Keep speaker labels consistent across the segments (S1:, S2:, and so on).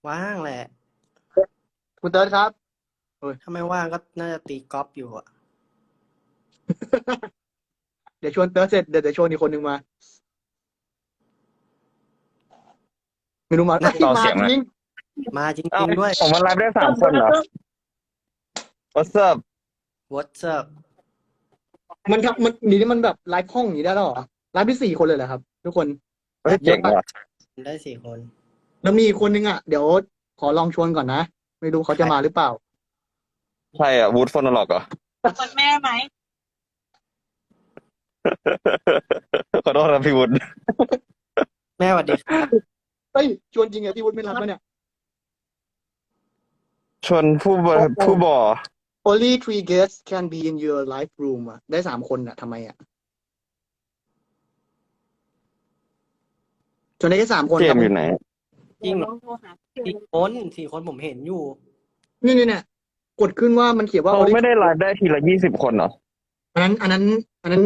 S1: ว่างแหละ
S2: คุณเติร์ดครับโอ้ย
S1: ถ้าไม่ว่างก็น่าจะตีกอล์ฟอยู่อ่ะ
S2: เดี๋ยวชวนเติร์ดเสร็จเดี๋ยวชวนอีกคนหนึ่งมาไม่รู้มาเอ้ย
S3: ต่อ
S2: มา
S3: เสียงหน่อย
S2: จริง
S1: มาจ
S3: เอ้า
S1: ริงๆด้วย
S3: ผมมันไลฟ์ได้
S2: เติร์ด
S3: 3 คนเหรอ
S2: เติร์ด
S3: What's up
S1: What's up
S2: มันนี่มันแบบไลฟ์ห้องอย่างนี้ได้แล้วเหรอไลฟ์ที่4 คนเลยเหรอครับทุกคน
S3: เฮ้ย
S2: เยอะปะ
S3: เจ๋งว่ะ
S1: ได้4 คน
S2: แล้วมีอีกคนนึงอ่ะเดี๋ยวขอลองชวนก่อนนะไม่รู้เขา
S1: ใคร
S2: จะมาหรือเปล่า
S3: ใช่อ่ะวูดฟอนอล็อกเหรอ
S4: คนแม่ไหม
S3: ขอโทษครับพี่วุฒิ
S1: แม่สวัสดีครับ
S2: เฮ้ยชวนจริงเหรอพี่วุฒิไม่รับแล้วเนี่ย
S3: ชวนผู้บ่อ
S2: Only 3 guests can be in your live room อ่ะได้3 คนอ่ะทำไมอ่ะชวนได้แค่3 คน
S3: เจ
S2: ครับผม
S3: มส์อยู่ไหน
S1: จริงเหรอ
S4: ลองโทรหา
S1: 4 คนผมเห็นอยู่
S2: นี่กดขึ้นว่ามันเขียนว่า
S3: เขา
S2: Only
S3: ไม่ได้ไลฟ์ได้ทีละ20 คนเหรอ
S2: อันนั้น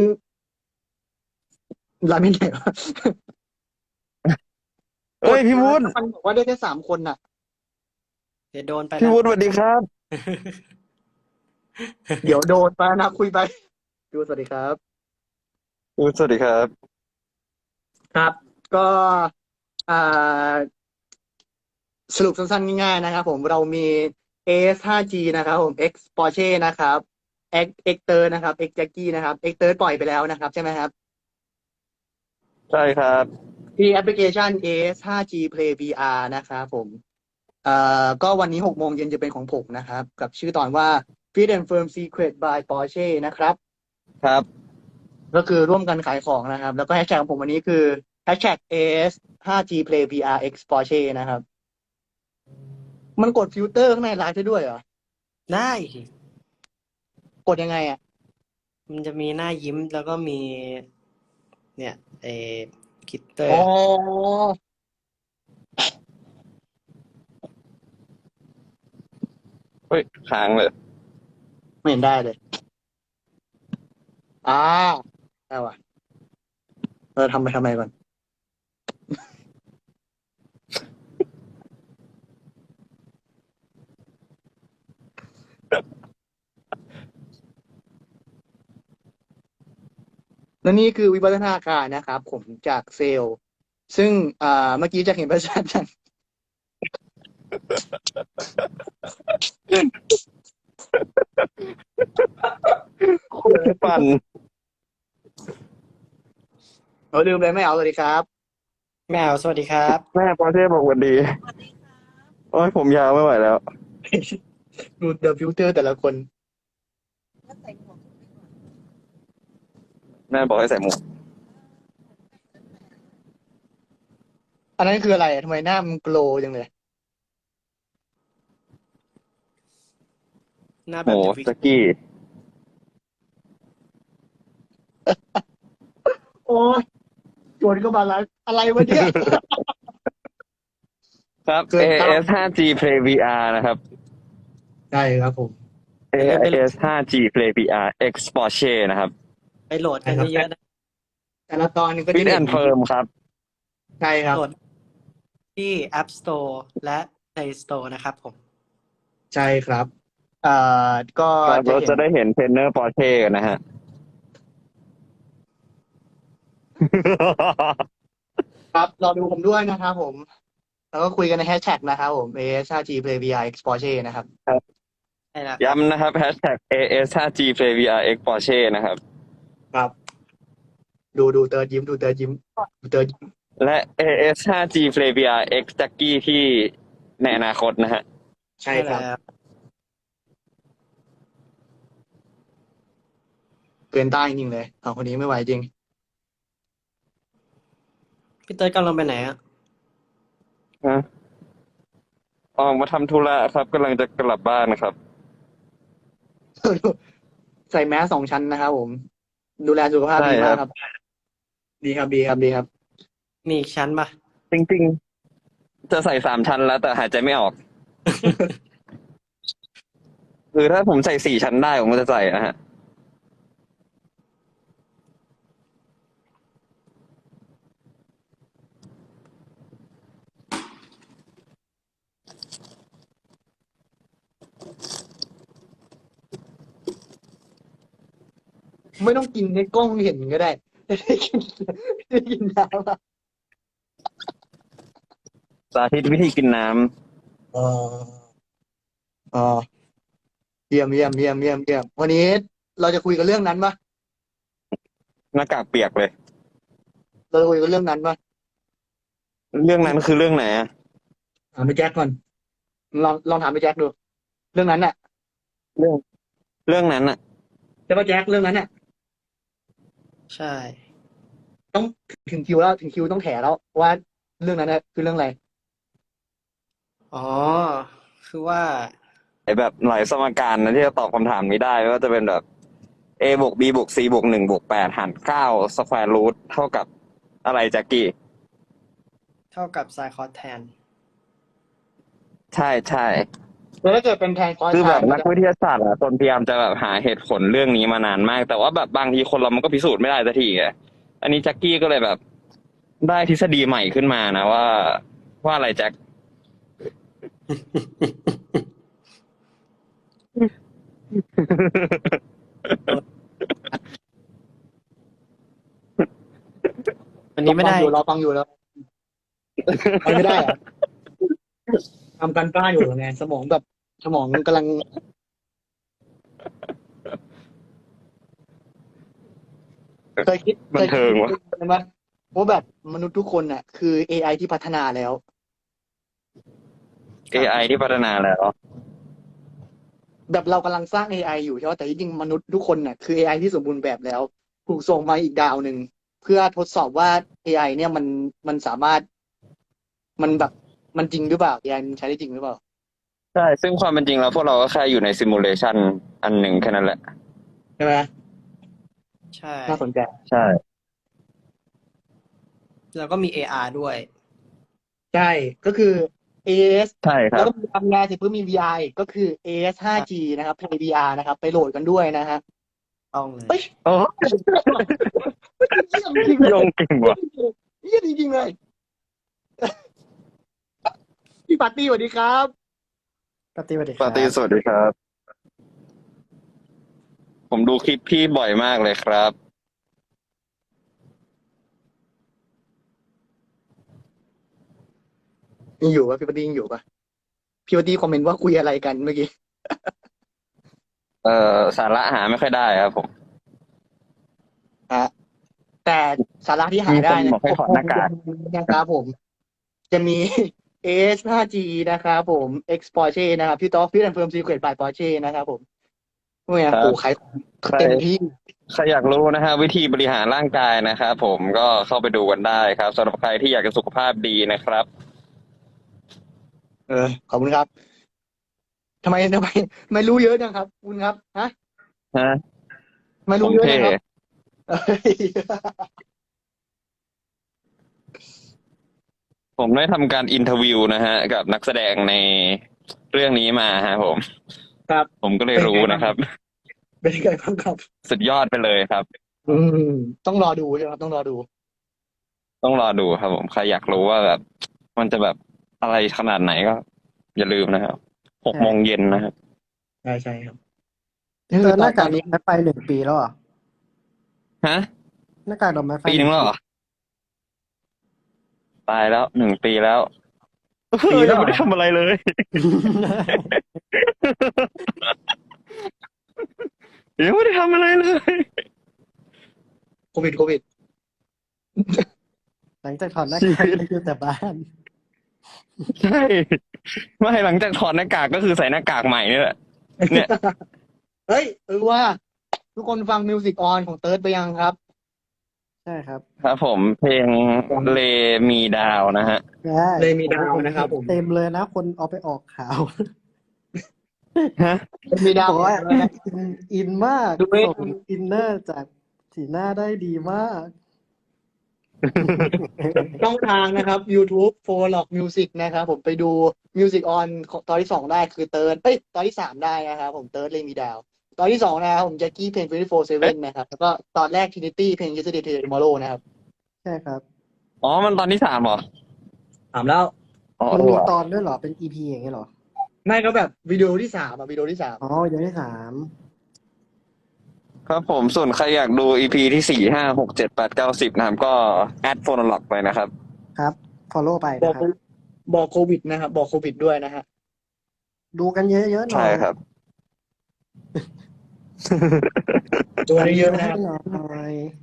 S2: ไลฟ์ไม่ได้วะ
S3: เอ้ยพี่วุฒิ
S2: มันบอกว่าได้แค่3 คนน่ะ
S1: เดี๋ยวโดนไป
S3: พี่
S1: นะ
S3: วุฒิสวัสดีครับ
S2: เดี๋ยวโดนไปนะคุยไปดูสวัสดีครับ
S3: วุฒิสวัสดีครับ
S2: ครับ ก็อ่าสรุปสั้นๆง่ายๆนะครับผมเรามี AS 5G นะครับผม X Porsche นะครับ X Third นะครับ X Jackie นะครับ X Third ปล่อยไปแล้วนะครับใช่ไหมครับ
S3: ใช่ครับ
S2: ที่แอปพลิเคชัน AS 5G Play VR นะครับผมก็วันนี้6 โมงเย็นจะเป็นของผมนะครับกับชื่อตอนว่า Fit and Firm Secret by Porsche นะครับ
S3: ครับ
S2: ก็คือร่วมกันขายของนะครับ แล้วก็แฮชแท็กของผมวันนี้คือ #AS 5G Play VR X Porsche นะครับ มันกดฟิลเตอร์ข้างในไลฟ์ได้ด้วยเหรอ
S1: ได้สิ
S2: กดยังไงอ่ะ
S1: มันจะมีหน้ายิ้มแล้วก็มี เนี่ยคิตเตอ
S2: อ๋อ
S1: ร์
S3: เฮ้ยค้างเลย
S2: ไม่เห็นได้เลย อ่าได้ว่ะทำไปทำไมก่อน แล้วนี่คือวิวัฒนาการนะครับผมจากเซลล์ ซึ่งเมื่อกี้จะเห็นประชาชน
S3: ปั่น
S2: เราลืมเลยไม่เอาเลยครับ
S1: แมวสวัสดีครับ
S3: แม่ปอร์เช่บอกสวัสดี
S4: สวัสดีค่ะ
S3: โอ้ยผมยาวไม่ไหวแล้ว
S2: ดูเดอะฟิลเตอร์แต่ละคน
S4: ก็ใส่หมวกไปก่อน
S3: แม่บอกให้ใส่หมวก
S2: อันนั้นคืออะไรทำไมหน้ามันโกลว์จังเลย
S1: หน้าแบ
S3: โห
S1: บเดอะวิก
S3: สกี้
S2: โอ้ยโจนก็มาแล้วอะไรวะเนี่ย
S3: ครับ
S2: เกินคาด
S3: AS 5G Play VR นะครับ
S2: ใช่ครับผม
S1: อย่าลืมไป
S3: AS 5G Play VR X Porsche นะครับ
S1: โหลดกันเยอะๆนะ
S2: แต่ละตอนก็จะ
S3: Fit
S2: เห็น
S3: and Firm ครับ
S2: ใช่ครับ
S1: โหลดที่ App Store และ Play Store นะครับผม
S2: ใช่ครับเอ่ก็
S3: ครับเรา
S2: จะเห็น
S3: จะได้เห็นเทรนเนอร์ปอร์เช่กันนะฮะ
S2: ครับรอดูผมด้วยนะครับผม แล้วก็คุยกันในแฮชแท็กนะครับผม AS5G Play VR X Porsche นะครับ
S1: ใช่แล้ว
S3: ย้ำนะครับ Hashtag AS 5G Play VR X Porsche นะครับ
S2: ครับ ดูเติร์ดยิ้มดูเติร์ดยิ้มดูเติร์ดยิ้ม
S3: และ AS 5G Play VR X Jackie ที่ในอนาคตนะฮะ
S2: ใช่ครับ
S1: แล้ว
S2: เกินต้านจริงๆเลยเอาคนนี้ไม่ไหวจริง
S1: พี่เต้ยกำลังไปไหนอ่ะ
S3: ฮะออกมาทำธุระครับกำลังจะกลับบ้านนะครับ
S2: ใส่แมส2 ชั้นนะครับผม ดูแลสุขภาพ
S3: ใช่
S2: ดีมาก
S3: ครับ
S2: ครับ ดีครับดีครับดีครับ
S1: มีอีกชั้นปะ
S3: จริงๆ จะใส่3 ชั้นแล้วแต่หายใจไม่ออก คือถ้าผมใส่4 ชั้นได้ผมก็จะใส่นะฮะ
S2: ไม่ต้องกินให้กล้องเห็นก็ได้ได้กินน้ำอะ
S3: สาธิตวิธีกินน้
S2: อ๋ออ๋อเยี่ยมเยี่ยมเยี่ยมเยี่ยมเยี่ยมวันนี้เราจะคุยกันเรื่องนั้นปะ
S3: ำหน้ากากเปียกเลย
S2: เราจะคุยกันเรื่องนั้นปะ
S3: เรื่องนั้นคือเรื่องไหนอะ
S2: ถามไปแจ็คก่อนลองถามไปแจ็คดู เรื่องนั้นน่ะ
S3: เรื่องเรื่องนั้นอะ
S2: ใช่ปะแจ็คเรื่องนั้นน่ะ
S1: ใช่
S2: ต้องถึงคิวแล้วถึงคิวต้องแถแล้วว่าเรื่องนั้นน่ะคือเรื่องอะไร
S1: อ๋อ คือว่า
S3: ไอแบบหลายสมการนะที่จะตอบคำถามนี้ได้ไม่ว่าจะเป็นแบบ a บวก b บวก c บวก1บวก8หาร9สแควร์รูทเท่ากับอะไรแจ็คกี้
S1: เท่ากับไซคอสแทน
S3: ใช่ใช่
S2: แล้วถ้าเกิดเป็นแทนคอร์ส
S3: คือแบบ
S2: ไทม์
S3: นักวิทยาศาสตร์อะตนพยายามจะแบบหาเหตุผลเรื่องนี้มานานมาก แต่ว่าแบบบางทีคนเรามันก็พิสูจน์ไม่ได้สักทีไงอันนี้แจ็คกี้ก็เลยแบบได้ทฤษฎีใหม่ขึ้นมานะว่าอะไรแจ็ค
S1: วันนี้ไม่ได้
S2: เราฟังอยู่แล้วมันไม่ได้เหรอะทำการบ้านอยู่ไงสมองกำลังเคยคิด
S3: บันเทิงวะ
S2: ไหมว่าแบบมนุษย์ทุกคนน่ะ คือ AI ที่พัฒนาแล้ว
S3: AI ที่พัฒนาแล้ว
S2: แบบเรากำลังสร้าง AI อยู่ใช่ไหมแต่จริงๆมนุษย์ทุกคนน่ะคือ AI ที่สมบูรณ์แบบแล้ว ถูกส่งมาอีกดาวหนึ่งเพื่อทดสอบว่า AI เนี่ยมันสามารถมันแบบมันจริงหรือเปล่า AI มันใช้ได้จริงหรือเปล่า
S3: ใช่ ซึ่งความเป็นจริงแล้วพวกเราก็แค่อยู่ในซิมูเลชันอันหนึ่งแค่นั้นแหละ
S2: ใช่ไหม
S1: ใช่
S2: น่าสนใจ
S3: ใช่
S1: แล้วก็มี AR ด้วย
S2: ใช่ก็คือ AS
S3: ใช่ค
S2: แล้
S3: รั
S2: ว
S3: บ
S2: ก็มีทำงานเสร็จเพิ่มมี VR อีกก็คือ AS 5G นะครับ Play VR นะครับ ไปโหลดกันด้วยนะฮะ
S1: ต้องเลย
S2: เฮ้ย
S3: โอ้
S2: เยี่ยมจริงเลย
S3: โยงเก่งว่ะ
S2: เยี่ยมจริงๆเลย พี่ปาร์ตี้สวัสดีครับ
S1: ปฏิบัติค
S3: ปา
S1: รับ
S3: ร์ตี้สวัสดีครับ ผมดูคลิปพี่บ่อยมากเลยครับ
S2: ยังอยู่ปะพี่ปาร์ตี้ยังอยู่ปะพี่ปาร์ตี้คอมเมนต์ว่าคุยอะไรกันเมื่อกี้
S3: สาระหาไม่ค่อยได้ครับผม
S2: ฮะแต่สาระที่หาได้
S3: มีคนบอกให้ถอดหน้ากาก
S2: นะครับผม จะมี AS 5G นะครับผม X Porsche นะครับพี่ต๊อกพี่แอนเฟิร์มซีเครตบาย Porsche นะครับผมเนี่ย
S3: ครับ
S2: โอ้ขายเต็มที่
S3: ใครอยากรู้นะฮะวิธีบริหารร่างกายนะครับผมก็เข้าไปดูกันได้ครับสำหรับใครที่อยากจะสุขภาพดีนะครับ
S2: ขอบคุณครับทำไมไม่รู้เยอะจังครับ คุณครับฮะ
S3: ฮะ
S2: ไม่
S3: ผ
S2: รู้
S3: ม
S2: เยอะ
S3: เท่
S2: จังครับเอ้ย
S3: ผมได้ทำการอินเทอร์วิวนะฮะกับนักแสดงในเรื่องนี้มาฮะผม
S2: ครับ
S3: ผมก็เลยรู้นะครับ
S2: เป็นไงบ้างครับ
S3: สุดยอดไปเลยครับ
S2: อืมต้องรอดูใช่ไหมครับต้องรอดู
S3: ต้องรอดูครับผมใครอยากรู้ว่าแบบมันจะแบบอะไรขนาดไหนก็ อย่าลืมนะครับ6 โมงเย็นนะครับ
S2: ใช่ครับ
S1: เจอหน้ากาก
S2: ตอน
S1: ด
S2: นี้
S1: อกไม้ไฟ1 ปีแล้วเหรอ
S3: ฮะ
S1: หน้ากากดอกไม้ไฟ
S3: ปีนึงแล้วเหรอตายแล้ว1 ปีแล้ว
S2: ปีแล้วเหรอ
S3: ยังไม่ได้ทำอะไรเลย ยังไม่ได้ทำอะไรเลย
S2: โควิด
S1: หลังจากถอดหน้ากากก็อยู่แต่บ้าน
S3: ใช่ไม่หลังจากถอดหน้ากากก็คือใส่หน้ากากใหม่นี่แหละ เนี่ย
S2: เฮ้ยว่า ทุกคนฟังมิวสิกออนของเติร์ดไปยังครับ
S1: ใช่ครับ
S3: ครับผมเพลงเลมีดาวนะฮะ
S1: ใช่
S2: เลยมีดาวนะครับผม
S1: เต็มเลยนะ คนเอาไปออกข่าว
S3: ฮะ
S2: มีดาว
S1: บอกว่าอินมาก
S2: ดูเว้ย
S1: ส่งอินเนอร์จากสีหน้าได้ดีมาก
S2: ช่องทางนะครับ YouTube f o r l o g Music นะครับผมไปดู Music on ตอนที่ 2 ได้คือเติร์ดตอนที่ 3 ได้นะครับผมเติร์ดเลยมีดาว ตอนที่ 2 นะครับผมแจ็คกี้เพลง24/7นะครับแล้วก็ตอนแรก Trinity เพลง Yesterday Today Tomorrow นะครับ
S1: ใช่ครับ
S3: อ๋อมันตอนที่ 3เหรอ
S2: ถามแล้ว
S3: อ๋อ
S1: มันมี
S3: ว่ะ
S1: ตอนด้วยเหรอ เป็น EP อย่างเงี้ยเหรอ
S2: ไม่ก็แบบวิดีโอที่ 3วิดีโอที่
S1: อ๋อเดี๋ยวที่ 3
S2: 3
S3: ครับผมส่วนใครอยากดู EP ที่4 5 6 7 8 9 10นะครับก็แอดโฟนล็อกไปนะครับ
S1: ครับ follow ไป
S2: บอก
S1: นะครับ
S2: บอกโควิดนะครับบอกโควิดด้วยนะฮะ
S1: ดูกันเยอะๆหน่
S3: ใช่
S1: อย
S3: ครับ
S2: ดู
S1: ปั่น
S2: เย
S1: วิว
S2: อะๆนะ
S1: ให้
S2: ครับ
S1: หน่อย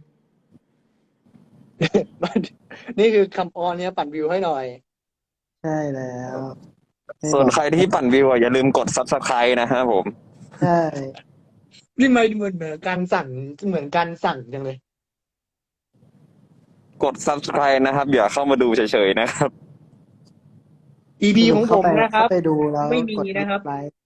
S2: นี่คือคำออนเนี่ยปั่นวิวให้หน่อย
S1: ใช่แล้วให้
S3: ส่ว
S1: บ
S3: น
S1: อก
S3: ใครที่ปั่นวิวอย่าลืมกด Subscribe นะครับผม
S1: ใช่
S2: นี่ไม่เหมือนการสั่งเหมือนการสั่งจังเลย
S3: กด Subscribe นะครับอย่าเข้ามาดูเฉยๆนะครับ
S2: EP
S1: สรุ
S2: ข
S1: ป
S2: องผ
S1: เข้าม ไป
S2: นะค
S1: เข้า
S2: รับ
S1: ไปดูแล้ว
S2: ไม่มี
S1: กด
S2: นะครับ
S1: ไลค์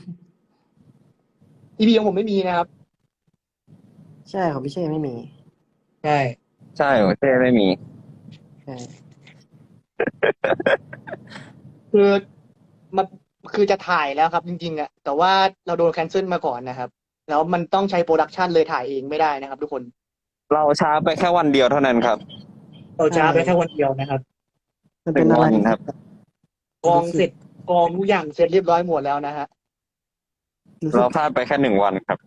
S2: EP ของผมไม่มีนะครับ
S1: ใช่ของพี่เช่ไม่มี
S2: ใช่
S3: ใช่ของเต้ไม่มี
S1: ใช่
S2: คือมันคือจะถ่ายแล้วครับจริงๆอะแต่ว่าเราโดนแคนเซิลมาก่อนนะครับ แล้วมันต้องใช้โปรดักชันเลยถ่ายเองไม่ได้นะครับ ทุกคน
S3: เราช้าไปแค่วันเดียวเท่านั้นครับ
S2: เราช้าไปแค่วันเดียวนะครับ
S1: มันเป็นอะไร
S3: 1 วัน
S1: ที่
S3: ครับ
S2: กองเสร็จกองทุกอย่างเสร็จเรียบร้อยหมดแล้วนะฮะ
S1: รู้สึ
S3: เรา
S1: ก
S3: พลาดไปแค่1 วันครับ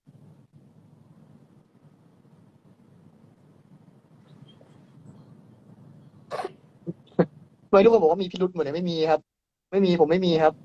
S2: ทำไมทุกคนบอกว่ามีพิรุธหมดเลยไม่มีครับ ไม่มีผมไม่มีครับ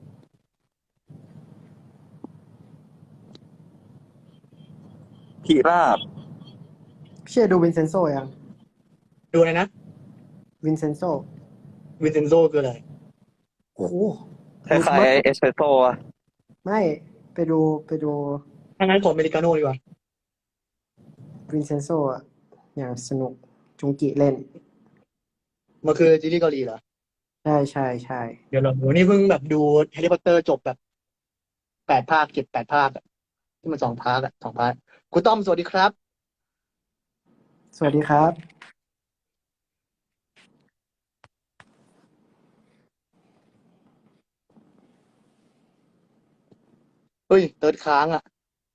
S3: ทีราบ
S1: พี่เช่ดูวินเซนโซยัง
S2: ดูเลยนะ
S1: วินเซนโซ
S2: วินเซนโซคืออะไร
S1: โอ้โห
S3: คล้ายๆเอสเปรสโซ่อะ
S1: ไม่ไปดู
S2: ถ้างั้นขออเมริกาโน่ดีกว่า
S1: วินเซนโซอ่ะอย่างสนุกจุงกิเล่น
S2: มันคือซีรีส์เกาหลีเหรอ
S1: ใช่ใช่ใช่
S2: เดี๋ยวเราดูนี่เพิ่งแบบดูแฮร์รี่พอตเตอร์จบแบบ8 ภาค7-8 ภาคอะที่มัน2 ภาคคุณต้อมสวัสดีครับ
S1: สวัสดีครับ
S2: เฮ้ยเติร์ดค้างอ่ะ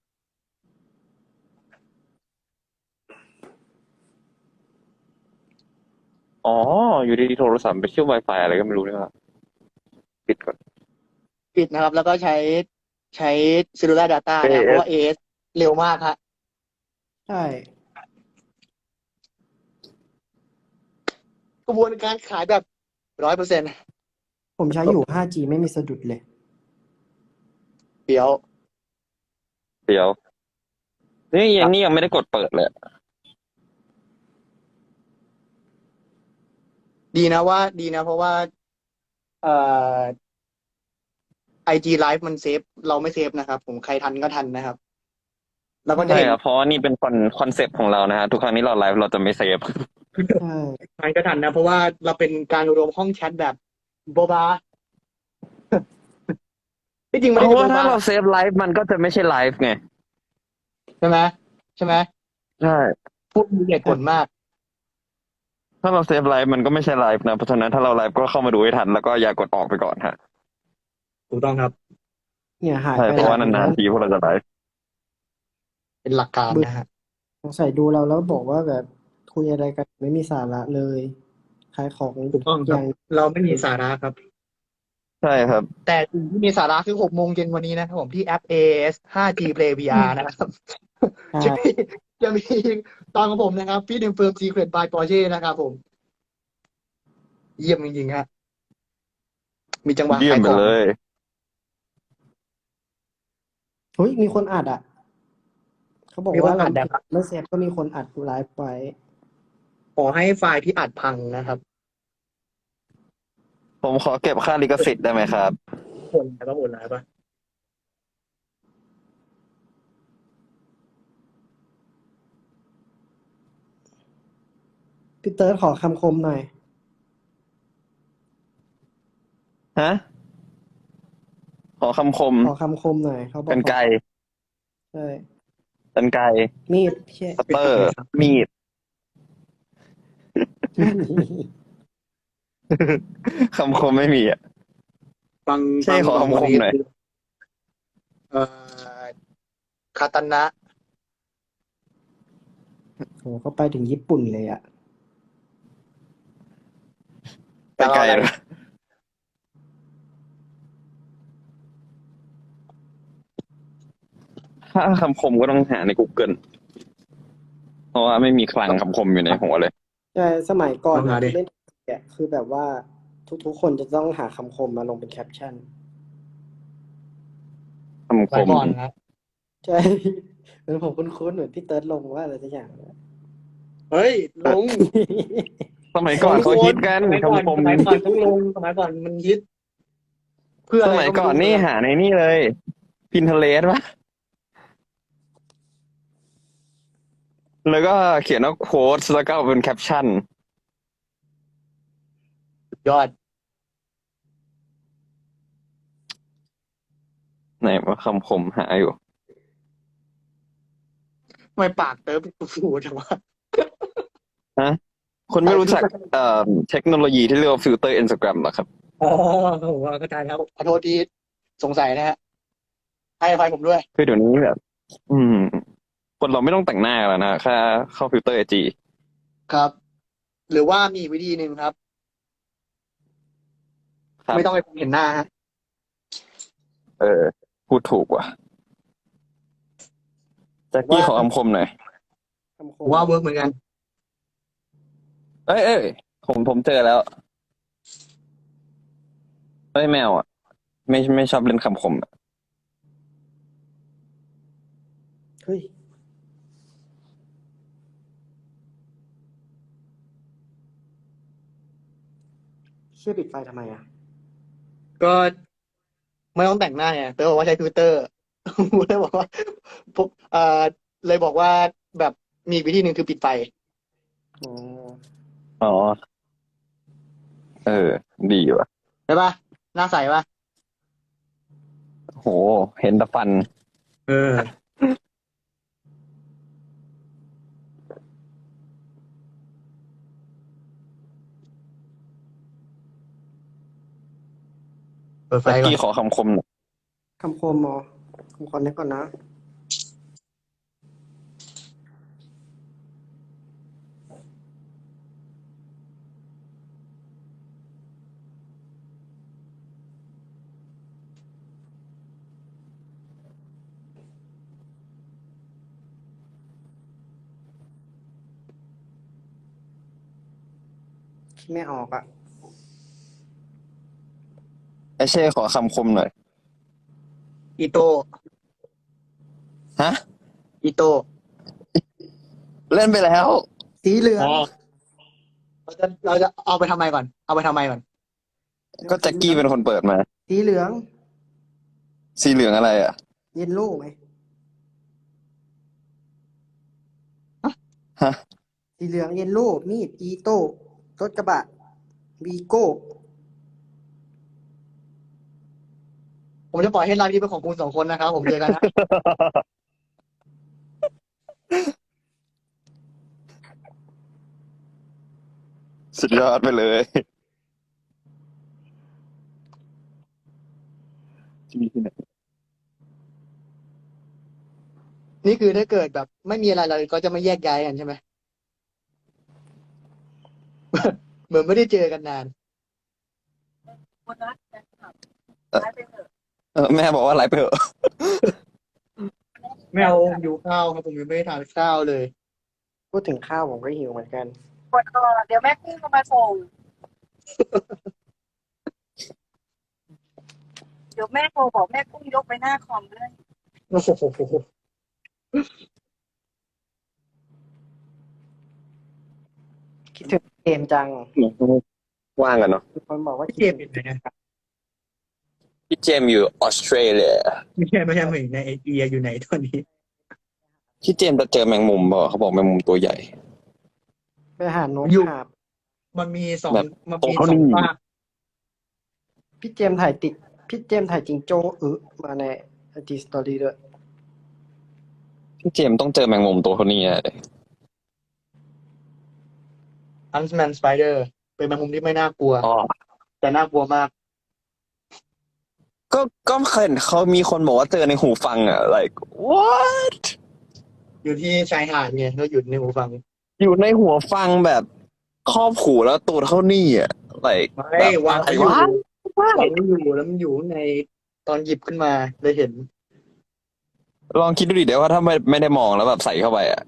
S3: อ๋อ อยู่ดีๆโทรศัพท์ไปเชื่อม Wi-Fi อะไรก็ไม่รู้นะครับปิดก่อน
S2: ปิดนะครับ แล้วก็ใช้ cellular data นะครับเพราะว่า AS เร็วมากฮะ
S1: ใช่
S2: กระบวนการขายแบบ100%
S1: ผมใช้อยู่ 5G ไม่มีสะดุดเลย
S2: เดี๋ยว
S3: เดี๋ยว นี่ยังไม่ได้กดเปิดเลย
S2: ดีนะเพราะว่าเอ่อ IG Live มันเซฟเราไม่เซฟนะครับ ผมใครทันก็ทันนะครับ แล้วก็จะ
S3: ใช่
S2: เห็น
S3: ครับเพราะว่านี่เป็นคอนเซปต์ของเรานะฮะทุกครั้งที่เราไลฟ์เราจะไม่เซฟ
S1: ใช่
S2: ทันก็ทันนะ เพราะว่าเราเป็นการรวมห้องแชทแบบโบบา ที่จริงไม่
S3: เพ
S2: ได้
S3: ราะ
S2: โบ
S3: ว่าถ้า
S2: บา
S3: เราเซฟไลฟ์มันก็จะไม่ใช่ไลฟ์ไง
S2: ใช่ไหม
S3: ใช่
S2: พูดมีเหตุผลมาก
S3: ถ้าเราเซฟไลฟ์มันก็ไม่ใช่ไลฟ์นะเพราะฉะนั้นถ้าเราไลฟ์ก็เข้ามาดูให้ทันแล้วก็อย่ากดออกไปก่อนฮะ
S2: ถูกต้องครับ
S1: เนี่ยหาย
S3: ใช่
S1: ไป
S3: เพราะว่านานๆทีพวกเราจะไลฟ์
S2: เป็นหลักการนะฮะ
S1: สงสัยดูเราแล้วบอกว่าแบบคุยอะไรกันไม่มีสาระเลยขายของ
S2: ถูกต้อง
S1: อ
S2: ครับ
S1: ย่าง
S2: เราไม่มีสาระครับ
S3: ใช่ครับ
S2: แต่สิ่งที่มีสาระคือ6 โมงเย็นวันนี้นะครับผมที่แอป AS 5G Play VR นะครับ
S1: ใช่
S2: จะมีตอนของผมนะครับพี่ดิมเฟิร์ม Secret by Porsche นะครับผม เยี่ยมจริงๆฮะมีจังหวะ
S3: เยี่ยม
S2: ขาย
S3: ไป
S2: ของ
S3: เลย
S1: เฮ้ยมีคนอัดอ่ะ เขาบอก
S2: มีคน
S1: ว่า
S2: อั
S1: เรา
S2: ดนะครับ
S1: ไม่เซฟก็มีคนอัดไลฟ์ไว้
S2: ขอให้ไฟล์ที่อัดพังนะครับ
S3: ผมขอเก็บค่าลิขสิทธิ์ได้ไหมครับ
S2: คนแล้วก็โอนแล้วปะ
S1: พี่เติร์ดขอคำคมหน่อย
S3: ฮะ ขอคำคม
S1: ขอคำคมหน่อยเขาบอก
S3: กันไกร
S1: ใช่
S3: กันไกร
S1: มีดพี่เช่
S3: คัตเตอร์ มีด คำคมไม่มีอ่ะ
S2: ฟัง
S3: ใช่ขอคำคมหน่อย
S2: เอ่อคาตานะ
S1: โหเขาไปถึงญี่ปุ่นเลยอ่ะ
S3: ไปไกลเลย 5G ถ้าคำคมก็ต้องหาใน Google เพราะว่าไม่มีคลังคำคมอยู่ในหัวเลย
S1: ใช่สมัยก่อน
S2: ลองหาดิ
S1: เล่นเนี่ยคือแบบว่าทุกคนจะต้องหาคำคมมาลงเป็นแคปชั่น
S3: คำค
S2: สมัย
S3: ม
S2: ก่อนนะ
S1: ใช่ เหมือนผมคุ้นๆเหมือนพี่เติร์ดลงว่าอะไรสักอย่างนะ
S2: เฮ้ยลง
S3: สมัยก่อนเขาฮิตกัน
S2: สมัยก่อน
S3: คำคม
S2: สมัยก่อนต้องลงสมัยก่อนมันฮิตเพื่อ
S3: ส
S2: อะไร
S3: มัย
S2: ก็
S3: ก่อน
S2: ไม่รู้
S3: นี่หาในนี่เลย Pinterest ปะแล้วก็เขียนว่าโค้ดแล้วก็เป็นแคปชั่น
S2: สุดยอด
S3: ไหนว่าคำคมหาอยู่
S2: ทำไมปากเติร์ฟฟูจังวะ
S3: คนไม่รู้จักเทคโนโลยีที่เรียกว่าฟิลเตอร์ Instagram หรอครับ
S2: อ๋อผมเข้าใจแล้วขอโทษที่สงสัยนะฮะให้อภัยผมด้วย
S3: คือเดี๋ยวนี้แบบ คนเราไม่ต้องแต่งหน้ากันแล้วนะแค่เข้าฟิลเตอร์ IG
S2: ครับ หรือว่ามีอีกวิธีหนึ่งครับ
S3: ครับ
S2: ไม่ต้องไปเห็นหน้าฮะ
S3: พูดถูกว่ะแจ็คกี้ขอคำคมหน่อย
S1: คำค
S2: ผม มว่าเวิร์กเหมือนกัน
S3: เอ้ยผมเจอแล้วเอ้ยแมวอ่ะ ไม่ชอบเล่นคำคมอะ
S1: เฮ้ยเชื่อปิดไฟทำไมอ่ะ
S2: ก็ไม่ต้องแต่งหน้าไงเตอร์บอกว่าใช้ฟิลเตอร์ เลยบอกว่าผมเลยบอกว่าแบบมีอีกวิธีหนึ่งคือปิดไฟ
S1: อ๋อ
S3: อ๋อ ดีว่ะ
S2: ใช่ปะหน้าใสปะ
S3: โห เห็นแต่ฟัน
S2: เออ เปิดไฟ
S3: แจ็ค
S2: ก่อน
S3: กี้ขอคำคมหน่อย
S1: คำคมเหรอผมขอนึกก่อนนะ คิดไม่ออกอ่ะ
S3: ไอเช่ขอคำคมหน่อย
S2: อีโต
S3: ฮะ
S2: อีโต
S3: เล่นไปแล้ว
S1: สีเหลือง
S2: อ๋อเราจะเอาไปทำไมก่อน เอาไปทำไมก่อน
S3: ก็แจ็คกี้เป็นคนเปิดมา
S1: สีเหลือง
S3: สีเหลืองอะไรอ่ะ
S1: เยลโล่ไหม
S3: ฮะ
S1: สีเหลืองเยลโล่มีดอีโต้รถกระบะวีโก้
S2: ผมจะปล่อยให้ไลฟ์นี้เป็นของคุณสองคนนะครับ ผมเจอกันนะ
S3: สุดยอดไปเลยที่มีที่ไหน
S2: นี่คือถ้าเกิดแบบ ไม่มีอะไรเราก็จะไม่แยกย้ายกันใช่ไหม เหมือนไม่ได้เจอกันนาน
S4: คนรักกันครับไลฟ์ไปเถอะ
S3: แม่บอกว่าไลฟ์ไปเถอะ
S2: ไม่เอาอยู่ข้าวครับผมยังไม่ได้ทานข้าวเลย
S1: พูดถึงข้าวผมก็หิวเหมือนกัน
S4: คนรอเดี๋ยวแม่กุ้งก็มาส่ง เดี๋ยวแม่โทรบอกแม่กุ้งยกไปหน้าคอมเลย
S2: โอ้โห
S1: คิดถึงเกมจัง
S3: ว่างกันเนาะ
S1: มีคนบอกว่า
S2: พี่
S1: คิด
S2: เจม
S1: ถึ
S2: ส์
S1: ง
S2: อยู่ไหนนะ
S3: พี่เจมส์อยู่ออสเตรเลีย
S2: ไม่ใช่เหมือนในเอเชียอยู่ไหนตอนนี้
S3: พี่เจมส์จะเจอแมงมุมเปล่าเขาบอกแมงมุมตัวใหญ่
S1: ไปหาโน้ต
S2: อยู่
S1: หาบ
S2: มันมีสอง
S3: แบบ
S2: มัน
S3: โต
S2: มี
S3: เท่า
S2: ส
S3: นี้
S2: องภาค
S1: พี่เจมส์ถ่ายติด พี่เจมส์ถ่ายจิงโจ้มาในไอจีสตอรี่ด้วย
S3: พี่เจมส์ต้องเจอแมงมุมตัวเท่านี้อะ
S2: อันส์แมนสไปเดอร์เป็นแมงมุมที่ไม่น่ากลัว
S3: อ๋อ
S2: แต่น่ากลัวมาก
S3: ก็เคยเห็นเขามีคนบอกว่าเจอในหูฟังอ่ะ like what
S2: อยู่ที่ชายหาดไงเราอยู่ในหูฟัง
S3: อยู่ในหัวฟังแบบครอบหูแล้วตัวเท่านี้อ่ะ like
S2: ไม่
S3: แบบ
S2: วาง
S3: อะไร
S2: ไว้อยู่
S3: วะ
S2: วางไว้อยู่แล้วมันอยู่ข้างในตอนหยิบขึ้นมาเลยเห็น
S3: ลองคิดดูดิเดี๋ยวว่าถ้าไม่ได้มองแล้วแบบใส่เข้าไปอ่ะ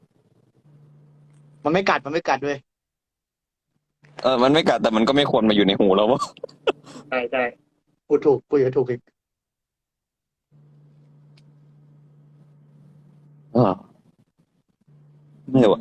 S2: มันไม่กัดด้วย
S3: มันไม่กัดแต่มันก็ไม่ควรมาอยู่ในหูเราวะ
S2: ใช่ใช่พูดถูกอีก
S3: อ่าไม่ไหว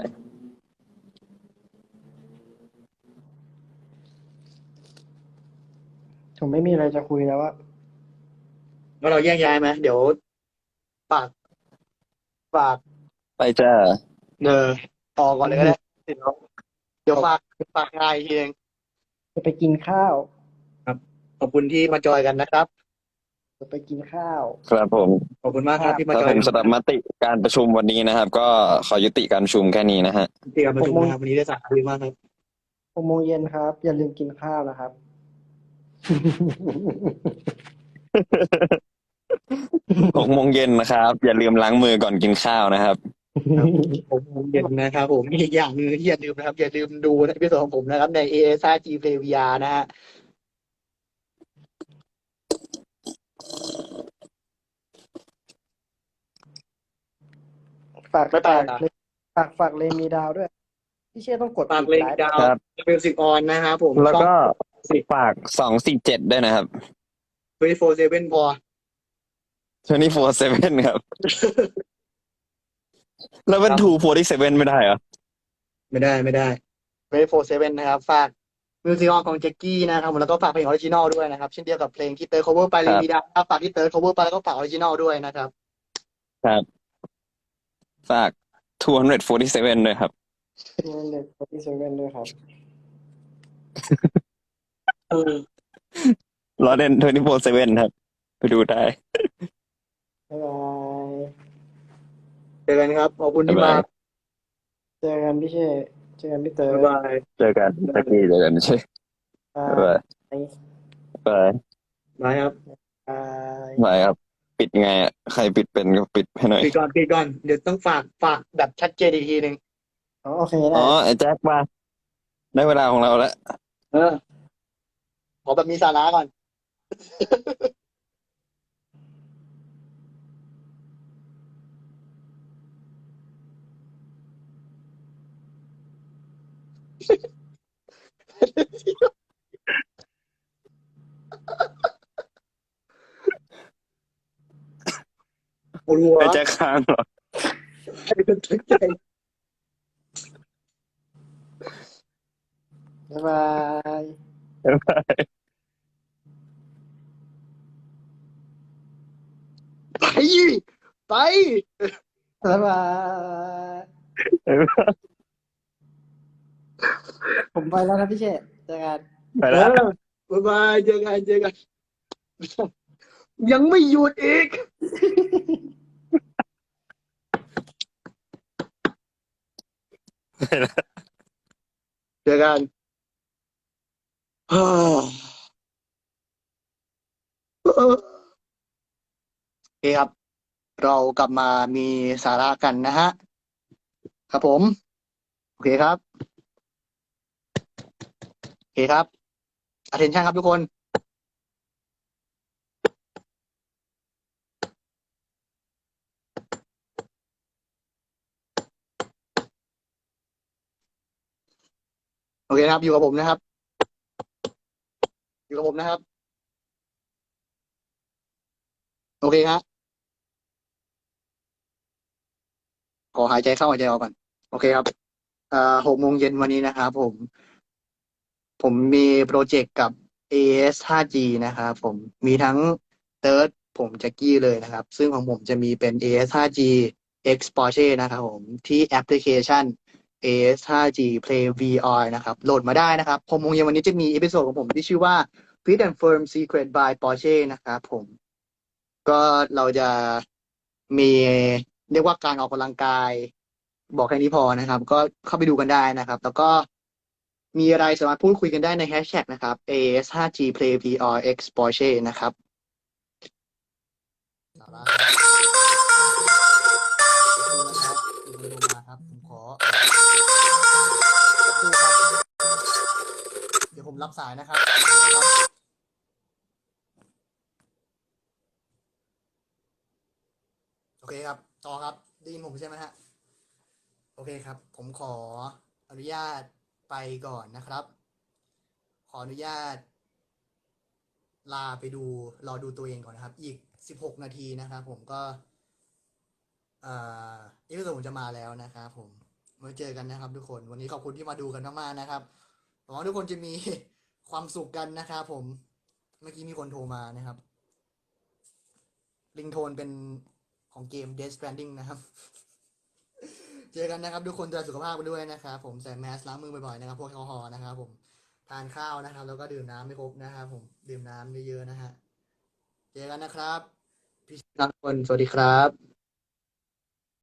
S1: ผมไม่มีอะไรจะคุยแล้วว่า
S2: งั้นเราแยกย้ายไหมเดี๋ยวฝากฝาก
S3: ไปจ้า
S2: เนอออกก่อนเลยก็ได้เดี๋ยวฝากงานอีกทีเอง
S1: จะไปกินข้าว
S2: ขอบคุณที่มาจอยกันนะครับ
S1: จะไปกินข้าว
S3: ครับผม
S2: ขอบคุณมากครับที่มา
S3: ครับ
S2: จอ
S3: ผ
S2: ย
S3: ม
S2: กัน
S3: สำหรับมติการประชุมวันนี้นะครับ ก็ขอยุติการประชุมแค่นี้นะฮะ
S2: ที่การประชุมนะครับวันนี้ได้สาระดีมากครับ
S1: 6 โมงเย็นครับ อย่าลืมกินข้าวนะครับ
S3: 6 โมงเย็นนะครับ อย่าลืมล้างมือก่อนกินข้าวนะครับ
S2: 6 โมงเย็นนะครับผมอีกอย่างหนึงที่อย่าลืมนะครับ อย่าลืมดูในพิเศษของผมนะครับใน AS 5G Play VR นะฮะ
S1: ฝาก
S2: ไม่ไปนะ
S1: ฝากเลนมีดาวด้วย พี่เช่ต้องกด
S2: ฝาก
S1: ปิด
S2: เลน
S1: ไลฟ์
S2: ดาว
S3: ครับ
S2: มิวสิกออนนะครับผม
S3: แล้วก็ฝาก247ด้วยนะครับ
S2: 24/7 พอ
S3: 24/7 ครับ แล้วเป็น247ไม่ได้เหรอ
S2: ไม่ได้24/7นะครับ ฝากมิวสิกออนของแจ็คกี้นะครับแล้วก็ฝากเพลงออริจินอลด้วยนะครับ เช่นเดียวกับเพลงที่เติร์ด cover ไปเลนมีดาวฝากที่เติร์ด cover ไปแล้วก็ฝากออริจินอลด้วยนะครับ
S3: ครับ ฝาก247ด้วยครับ
S1: 247ด้วยครับ
S3: ล้อเล่น24/7ครับ ไปดูได้
S1: บ๊ายบาย
S2: เจอกันครับ ขอบคุณที่มา
S1: เจอกันพี่เช่เจอกันพี่เต๋อ
S2: บ๊ายบาย
S3: เจอกันตะกี้เจอกันใช่
S1: บา
S3: บ๊าย
S1: ย
S3: บายบ๊ายบาย
S2: บายครับ
S1: บาย
S3: บายครับ ปิดไงอ่ะ ใครปิดเป็นก็ปิดให้หน่อย
S2: ปิดก่อน เดี๋ยวต้องฝากแบบชัดเจนอีกทีหนึ่ง
S1: โอเคได้
S3: อ๋อ ไอ้แจ็คมา ได้เวลาของเราแล้ว
S2: ขอแบบมีสาระก่อน ปวดหัว
S3: ไอ้แจ็คค้างเหรอ
S2: ให้เป็นตั้งใจ
S1: บ๊ายบาย
S3: บ๊ายบาย
S2: ไป
S1: บ๊ายบาย
S3: บ๊ายบาย
S1: ผมไปแล้วนะพี่เช่เจอกัน
S3: ไปแล้ว
S2: บ๊ายบายเจอกัน ยังไม่หยุดอีก
S3: ไปแล้ว
S2: เจอกัน ฮ่าโอเคครับ เรากลับมามีสาระกันนะฮะ ครับผม โอเคครับ attention ครับทุกคน โอเคนะครับ อยู่กับผมนะครับ โอเคครับ ขอหายใจเข้าหายใจออกก่อน โอเคครับ 6 โมงเย็นวันนี้นะครับผมมีโปรเจกต์กับ AS 5G นะครับผมมีทั้งเติร์ดผมแจ็คกี้เลยนะครับ ซึ่งของผมจะมีเป็น AS 5G X Porsche นะครับผมที่แอปพลิเคชัน AS 5G Play VR นะครับโหลดมาได้นะครับ6 โมงเย็นวันนี้จะมีเอพิโซดของผมที่ชื่อว่า Fit and Firm Secret by Porsche นะครับผมก็เราจะมีเรียกว่าการออกกำลังกาย บอกแค่นี้พอนะครับ ก็เข้าไปดูกันได้นะครับ แล้วก็มีอะไรสามารถพูดคุยกันได้ในแฮชแท็กนะครับ AS 5G Play VR X Porsche นะครับสาระครับผมขอเดี๋ยวผมรับสายนะครับเคครับต่อครับได้ยินผมใช่ไหมฮะโอเคครับ ผมขออนุญาตไปก่อนนะครับ ขออนุญาตลาไปดูรอดูตัวเองก่อนนะครับ อีก16 นาทีนะครับผมก็อีพิโซดผมจะมาแล้วนะครับผมมาเจอกันนะครับทุกคนวันนี้ขอบคุณที่มาดูกันมากๆนะครับหวังว่าทุกคนจะมี ความสุขกันนะครับผมเมื่อกี้มีคนโทรมานะครับริงโทนเป็นของเกม Death Stranding นะครับ เจอกันนะครับทุกคนดูแลสุขภาพกันด้วยนะครับผมใส่แมสล้างมือบ่อยๆนะครับพวกแอลกอฮอล์นะครับผมทานข้าวนะครับแล้วก็ดื่มน้ำไม่ครบนะครับผมดื่มน้ำเยอะๆนะฮะเจอกันนะครับพี่ทุกคนสวัสดีครับ